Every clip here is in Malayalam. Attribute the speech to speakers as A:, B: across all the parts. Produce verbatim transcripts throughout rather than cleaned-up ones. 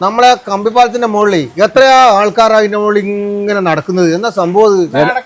A: നമ്മളെ കമ്പിപ്പാലത്തിന്റെ മുകളിൽ എത്രയാ ആൾക്കാർ അതിന്റെ മുകളിൽ ഇങ്ങനെ നടക്കുന്നത് എന്നാ സംഭവം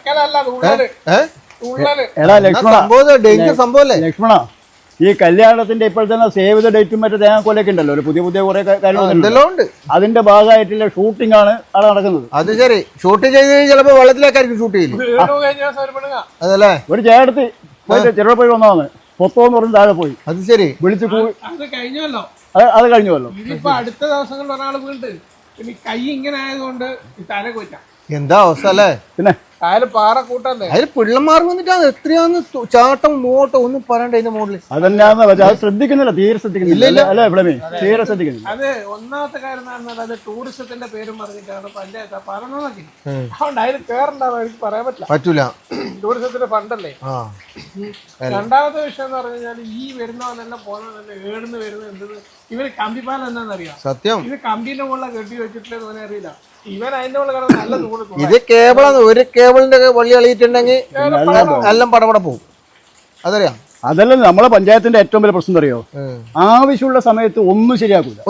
A: സംഭവം ഡേഞ്ചർ സംഭവല്ലേ
B: ലക്ഷ്മണ ഈ കല്യാണത്തിന്റെ ഇപ്പോഴത്തെ സേവ് ദ ഡേറ്റും മറ്റേ തേങ്ങാക്കൊലൊക്കെ ഉണ്ടല്ലോ ഒരു പുതിയ പുതിയ കുറെ കാര്യങ്ങളുണ്ട് അതിന്റെ ഭാഗമായിട്ടുള്ള ഷൂട്ടിംഗ് ആണ് അവിടെ നടക്കുന്നത്.
A: അത് ശരി, ഷൂട്ട് ചെയ്ത് ചിലപ്പോ വെള്ളത്തിലേക്കായിരിക്കും ഷൂട്ട് ചെയ്യില്ല. അതല്ലേ
B: ഒരു ചേട്ടത്തി പോയിട്ട് ചെറുപ പോയി വന്നതാണ് പൊത്തോന്ന് പറഞ്ഞ് താഴെ പോയി.
A: അത് ശരി,
B: വിളിച്ച്
C: കഴിഞ്ഞല്ലോ
B: അത് കഴിഞ്ഞല്ലോ.
C: ഇതിപ്പോ അടുത്ത ദിവസങ്ങളിൽ ഒരാൾ വീണ്ട് ഇനി കൈ ഇങ്ങനെ ആയതുകൊണ്ട് തല കൊറ്റാം.
A: എന്താ അവസ്ഥ അല്ലേ?
B: പിന്നെ
C: അതില് പാറ കൂട്ടല്ലേ,
A: അതിൽ പിള്ളമാർ വന്നിട്ടാണ് എത്രയാന്ന് ചാട്ടം നോട്ടം ഒന്നും പറയണ്ട അതിന്റെ മുകളിൽ.
B: അതന്നെയാന്ന് വെച്ചാൽ അത് ശ്രദ്ധിക്കുന്നില്ല, തീരെ ശ്രദ്ധിക്കുന്നില്ല അല്ലേ ഇവിടെ തീരെ ശ്രദ്ധിക്കുന്നില്ല.
C: അത് ഒന്നാമത്തെ കാര്യം എന്ന് പറഞ്ഞാൽ അത് ടൂറിസത്തിന്റെ പേരും പറഞ്ഞിട്ടാണ് പഞ്ചായത്ത് പറഞ്ഞതൊക്കെ. അതുകൊണ്ട് അതിൽ കേറണ്ടാവും എനിക്ക് പറയാൻ പറ്റില്ല,
A: പറ്റൂല,
C: ടൂറിസത്തിന്റെ ഫണ്ടല്ലേ. രണ്ടാമത്തെ വിഷയം എന്ന് പറഞ്ഞു കഴിഞ്ഞാൽ ഈ വരുന്നവനെല്ലാം പോകുന്നതന്നെ ഏടുന്ന് വരുന്നത് എന്ത് ഇവര് കമ്പിപ്പാലം എന്താണെന്നറിയാം.
A: സത്യം,
C: ഇത് കമ്പിന്റെ മുകളിൽ കെട്ടി വെച്ചിട്ടില്ലെന്ന് അവനെ അറിയില്ല. ഇവൻ അതിന്റെ മുകളിൽ കിടന്ന് നല്ല ദൂരം
A: ഇത് കേബിളാണ്, ഒരു കേബിളിന്റെ വള്ളി അളിയിട്ടുണ്ടെങ്കിൽ എല്ലാം പടപട പോകും. അതറിയാം.
B: അതല്ല നമ്മളെ പഞ്ചായത്തിന്റെ ഏറ്റവും വലിയ പ്രശ്നം അറിയോ, ആവശ്യമുള്ള സമയത്ത് ഒന്നും ശരിയാക്കൂല.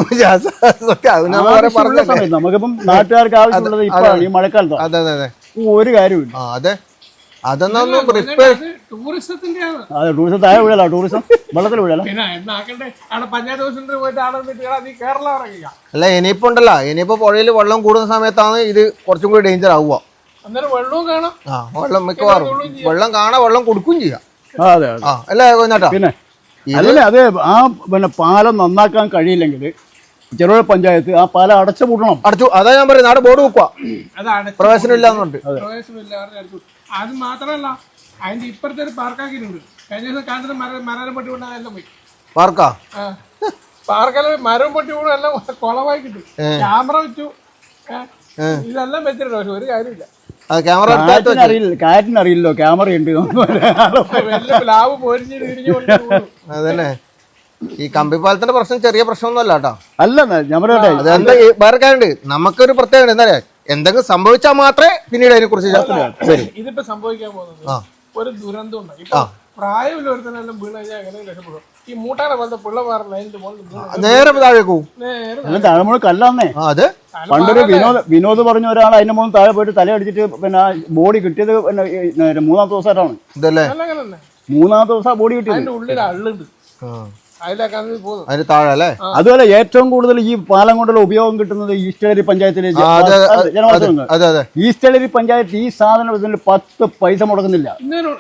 B: നമുക്കിപ്പം നാട്ടുകാർക്ക് ആവശ്യമുള്ളത് ഇപ്പോഴാണ് ഈ മഴക്കാലത്ത്.
A: അതെ അതെ അതെ,
B: ഒരു കാര്യമില്ല.
A: അതെ, അതൊന്നും
C: ടൂറിസത്തിന്റെ
B: അതെ ടൂറിസം താഴെ വീഴല, ടൂറിസം വെള്ളത്തിൽ വീഴല.
A: അല്ല ഇനിയിപ്പോ ഉണ്ടല്ലോ, ഇനിയിപ്പോ പുഴയിൽ വെള്ളം കൂടുന്ന സമയത്താണ് ഇത് കുറച്ചും കൂടി ഡേഞ്ചർ ആവുക.
C: വെള്ളവും കാണാം,
A: ആ വെള്ളം മിക്കവാറും വെള്ളം കാണാൻ വെള്ളം കൊടുക്കുകയും ചെയ്യാം.
B: അതെ
A: ആ അല്ലേ കോഞ്ഞാട്ടാ?
B: പിന്നെ അതല്ലേ അത് ആ പിന്നെ പാലം നന്നാക്കാൻ കഴിയില്ലെങ്കിൽ ചെറുപുഴ പഞ്ചായത്ത് ആ പാലം അടച്ചു പൂട്ടണം.
A: അടച്ചു, അതാ ഞാൻ പറയുന്നത്, അവിടെ ബോർഡ് വെക്കുക, പ്രവേശനം ഇല്ലാന്നുണ്ട്.
C: അത് മാത്രമല്ല അതിന്റെ ഇപ്പുറത്തെ ഒരു പാർക്കാക്കിയിട്ടുണ്ട്. കഴിഞ്ഞ ദിവസം കണ്ടത് മരം മരം പൊട്ടി വീണ എല്ലാം പോയി.
A: പാർക്കാ
C: പാർക്കെല്ലാം മരം പൊട്ടി വീണ എല്ലാം കുളമായി കിട്ടും. ക്യാമറ വെച്ചു, ഇതെല്ലാം വെച്ചിട്ടുണ്ട്, പക്ഷെ ഒരു കാര്യമില്ല.
A: ക്യാമറ
B: അറിയില്ല, കാറ്റിന് അറിയില്ലോ ക്യാമറ ഉണ്ട്.
C: ലാവ് പൊരിഞ്ഞ് തിരിഞ്ഞു.
A: അതന്നെ, ഈ കമ്പിപ്പാലത്തിന്റെ പ്രശ്നം ചെറിയ പ്രശ്നമൊന്നുമല്ല കേട്ടോ.
B: അല്ല ഞാൻ പറയട്ടെ,
A: അതെന്താ വേറെ കാര്യമുണ്ട്, നമുക്കൊരു പ്രത്യേകത എന്താ പറയാ, എന്തെങ്കിലും സംഭവിച്ചാൽ മാത്രമേ പിന്നീട് അതിനെ കുറിച്ച്
C: ഇതിപ്പോ സംഭവിക്കാൻ പോകുന്നത് ഒരു ദുരന്തം ഉണ്ട്. ഇപ്പൊ പ്രായമില്ല ഒരുത്തനെല്ലാം വീണ് കഴിഞ്ഞാൽ എങ്ങനെ രക്ഷപ്പെടും? ഈ മൂട്ടാനെ പോലത്തെ പിള്ളമാർ ലൈനിന്റെ മുകളിൽ
A: നേരെ താഴെ പോകും.
B: താഴെ മുകളിൽ കല്ലാന്നേ.
A: അതെ,
B: പണ്ടൊരു വിനോദ് വിനോദ് പറഞ്ഞ ഒരാൾ അതിന്റെ മുകളിൽ താഴെ പോയിട്ട് തലയടിച്ചിട്ട് പിന്നെ ബോഡി കിട്ടിയത് പിന്നെ മൂന്നാമത്തെ ദിവസമായിട്ടാണ്.
A: ഇതല്ലേ
B: മൂന്നാമത്തെ ദിവസം ബോഡി കിട്ടിയത്.
C: അതിന്റെ ഉള്ളിൽ അള്ളുണ്ട്,
B: അതുപോലെ ഏറ്റവും കൂടുതൽ ഈ പാലം കൊണ്ടുള്ള ഉപയോഗം കിട്ടുന്നത് ഈസ്റ്റേരി പഞ്ചായത്തിലെ ജനവാസങ്ങൾ. ഈസ്റ്റേരി പഞ്ചായത്ത് ഈ സാധനം പത്ത് പൈസ മുടക്കുന്നില്ല.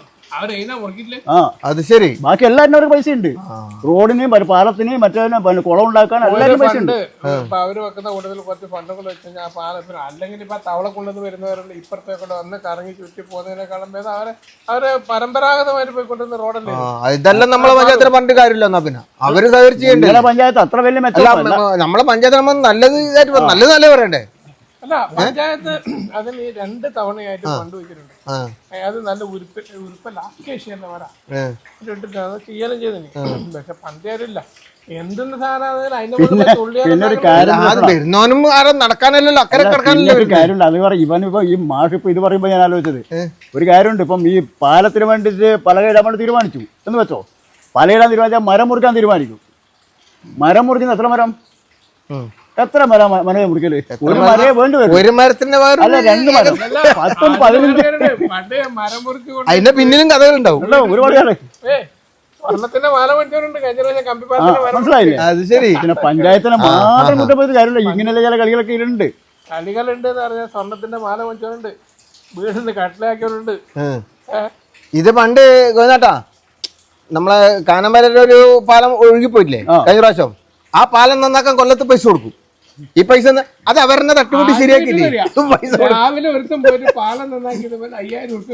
A: അത് ശരി,
B: ബാക്കി എല്ലാവരും പൈസ ഉണ്ട്. റോഡിനെയും പാലത്തിനെയും മറ്റേ കുളം ഉണ്ടാക്കാൻ എല്ലാവരും പൈസ ഉണ്ട്.
C: അവര് വെക്കുന്ന കൂടുതൽ കുറച്ച് ഫണ്ടുകൾ വെച്ച് കഴിഞ്ഞാൽ ആ പാലത്തിന് അല്ലെങ്കിൽ ഇപ്പൊ തവളക്കുള്ളത് വരുന്നവരുണ്ട്, ഇപ്പുറത്തെ കൊണ്ട് വന്ന് കറങ്ങി ചുറ്റി പോകുന്നതിനേക്കാളും ഭേദം അവരെ അവര് പരമ്പരാഗതമായിട്ട് പോയിക്കൊണ്ടിരുന്ന റോഡല്ലേ.
A: ഇതെല്ലാം നമ്മളെ പഞ്ചായത്തിന് പറഞ്ഞിട്ട് കാര്യമില്ല. എന്നാ പിന്നെ അവര് സഹകരിച്ച് ചെയ്യണ്ടേ
B: പഞ്ചായത്ത് അത്ര വലിയ മെച്ചമല്ല.
A: നമ്മളെ പഞ്ചായത്ത് നമ്മൾ നല്ലത് നല്ലത് നല്ല പറയണ്ടേ.
C: അല്ല പഞ്ചായത്ത് അതിന് രണ്ട് തവണയായിട്ട് ഫണ്ട് വെച്ചിട്ടുണ്ട്. അത് നല്ല ഉരുപ്പ് ഉരുപ്പല്ല അക്കേഷ്യല്ലേ വരാ ഇട്ടിട്ട് അത് ചെയ്യലും ചെയ്തിന്. പക്ഷെ പഞ്ചായത്തില്ല എന്തെന്ന് സാധനം
A: വരുന്നവനും നടക്കാനല്ലല്ലോ, അക്കരെ കിടക്കാനല്ലോ
B: ഒരു കാര്യമുണ്ട്. അത് പറയും ഇവനിപ്പോ ഈ മാഷ് ഇപ്പൊ ഇത് പറയുമ്പോ ഞാൻ ആലോചിച്ചത് ഒരു കാര്യമുണ്ട്. ഇപ്പം ഈ പാലത്തിന് വേണ്ടിയിട്ട് പലകയിടാൻ വേണ്ടി തീരുമാനിച്ചു എന്ന് വെച്ചോ, പലയിടാൻ തീരുമാനിച്ചാൽ മരം മുറിക്കാൻ തീരുമാനിക്കും. മരം മുറിക്കുന്ന എത്ര മരം എത്ര മരം മരം മുറിക്കല്? ഒരു മരേ വേണ്ടി വരും.
A: ഒരു മരത്തിന്റെ
B: അല്ല രണ്ട് മരം, പത്തും പതിനഞ്ച്.
A: അതിന്റെ പിന്നിലും കഥകളുണ്ടാവും
B: ഒരുപാട് കാലം.
C: മനസ്സിലായില്ലേ?
A: അത് ശരി,
B: പിന്നെ പഞ്ചായത്തിനെ മാത്രം കുറ്റപ്പെടുത്തി കാര്യമില്ല. ഇങ്ങനെയുള്ള ചില കളികളൊക്കെ ഉണ്ട്.
C: കളികളുണ്ട് എന്ന് പറഞ്ഞാൽ സ്വർണത്തിന്റെ മാല വെച്ചവരുണ്ട്, വീടിന് കട്ടിലാക്കിയവരുണ്ട്.
A: ഇത് പണ്ട് ഗോനാട്ടാ നമ്മളെ കാനമരയുടെ ഒരു പാലം ഒഴുകിപ്പോയില്ലേ കഴിഞ്ഞ പ്രാവശ്യം, ആ പാലം നന്നാക്കാൻ കൊല്ലത്ത് പൈസ കൊടുക്കും. ഈ പൈസ അത് അവരെന്നെ തട്ടുകൂട്ടി ശരിയാക്കിയില്ലേ?
C: രാവിലെ ഒരുത്തം പോയിട്ട് പാലം നന്നാക്കിയത് അയ്യായിരം ഉറുപ്പ്യ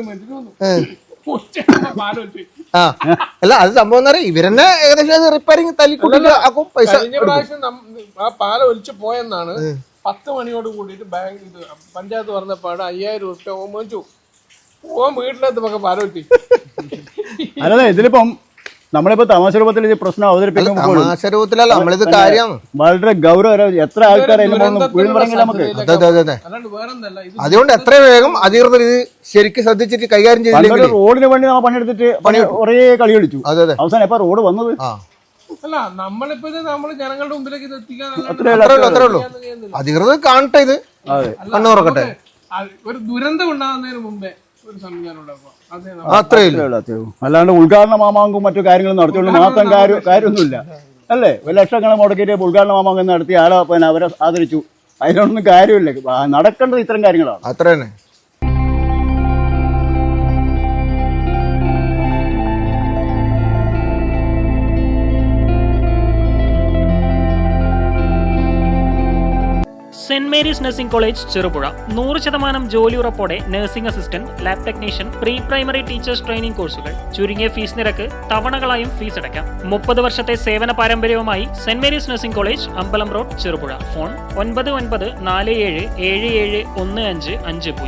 A: ആ അല്ല അത് സംഭവം എന്താ പറയാ, ഇവരെന്നെ ഏകദേശം റിപ്പയറിങ് തല്ലിക്കൂട്ടും പൈസ.
C: കഴിഞ്ഞ പ്രാവശ്യം ആ പാലം ഒലിച്ചു പോയെന്നാണ് പത്ത് മണിയോട് കൂടിയിട്ട് ബാങ്ക് ഇത് പഞ്ചായത്ത് പറഞ്ഞപ്പാട് അയ്യായിരം ഉറുപ്പ്യ ഓൻ മേടിച്ചു. ഓൻ വീട്ടിലെത്തുമ്പോ പാലം ഒലിച്ചു.
B: അതെ, ഇതിലിപ്പം നമ്മളിപ്പോ തമാശ രൂപത്തിൽ ഈ പ്രശ്നം അവതരിപ്പിക്കുമ്പോൾ വളരെ ഗൗരവ എത്ര ആൾക്കാരെ നമുക്ക്.
A: അതുകൊണ്ട് എത്ര വേഗം അധികൃതർ ഇത് ശരിക്കും ശ്രദ്ധിച്ചിട്ട് കൈകാര്യം ചെയ്തു.
B: റോഡിന് വേണ്ടി നമ്മൾ പണിയെടുത്തിട്ട് കുറേ കളി കളിച്ചു. അവസാനം എപ്പോ റോഡ് വന്നത്
C: അല്ല നമ്മളിപ്പോ ഇത് നമ്മള് ജനങ്ങളുടെ മുമ്പിലേക്ക് ഇത് എത്തിക്കാൻ
A: അത്രേ ഉള്ളൂ അത്രേ ഉള്ളൂ അധികൃതർ കാണട്ടെ ഇത് കണ്ണു തുറക്കട്ടെ.
C: ഒരു ദുരന്തം ഉണ്ടാകുന്നതിന് മുമ്പേ ഒരു സംവിധാനം ഉണ്ടാക്കുക അതേ
A: അത്രേ ഇല്ല.
B: അല്ലാണ്ട് ഉദ്ഘാടന മാമാങ്കും മറ്റു കാര്യങ്ങളും നടത്തിയോണ്ട് മാത്രം കാര്യം കാര്യമൊന്നുമില്ല അല്ലേ. ഒരു ലക്ഷങ്ങളെ മുടക്കിയിട്ട് ഉദ്ഘാടന മാമാങ്കം നടത്തി ആളെ പിന്നെ അവരെ ആദരിച്ചു, അതിനൊന്നും കാര്യമില്ല. നടക്കേണ്ടത് ഇത്തരം കാര്യങ്ങളാണ്.
A: അത്ര തന്നെ.
D: Saint Mary's nursing college Cherupuzha നൂറ് ശതമാനം ജോലി ഉറപ്പോടെ nursing assistant, lab technician, pre primary teachers training കോഴ്സുകൾ, ചുരുങ്ങിയ ഫീസ് നിരക്ക്, തവണകളായും ഫീസ് അടയ്ക്കാം. മുപ്പത് വർഷത്തെ സേവന പാരമ്പര്യവുമായി സെന്റ് മേരീസ് നഴ്സിംഗ് കോളേജ്, അമ്പലം റോഡ്, ചെറുപുഴ. ഫോൺ ഒൻപത് ഒൻപത് നാല് ഏഴ് ഏഴ് ഏഴ് ഒന്ന് അഞ്ച് അഞ്ച് പൂജ്യം.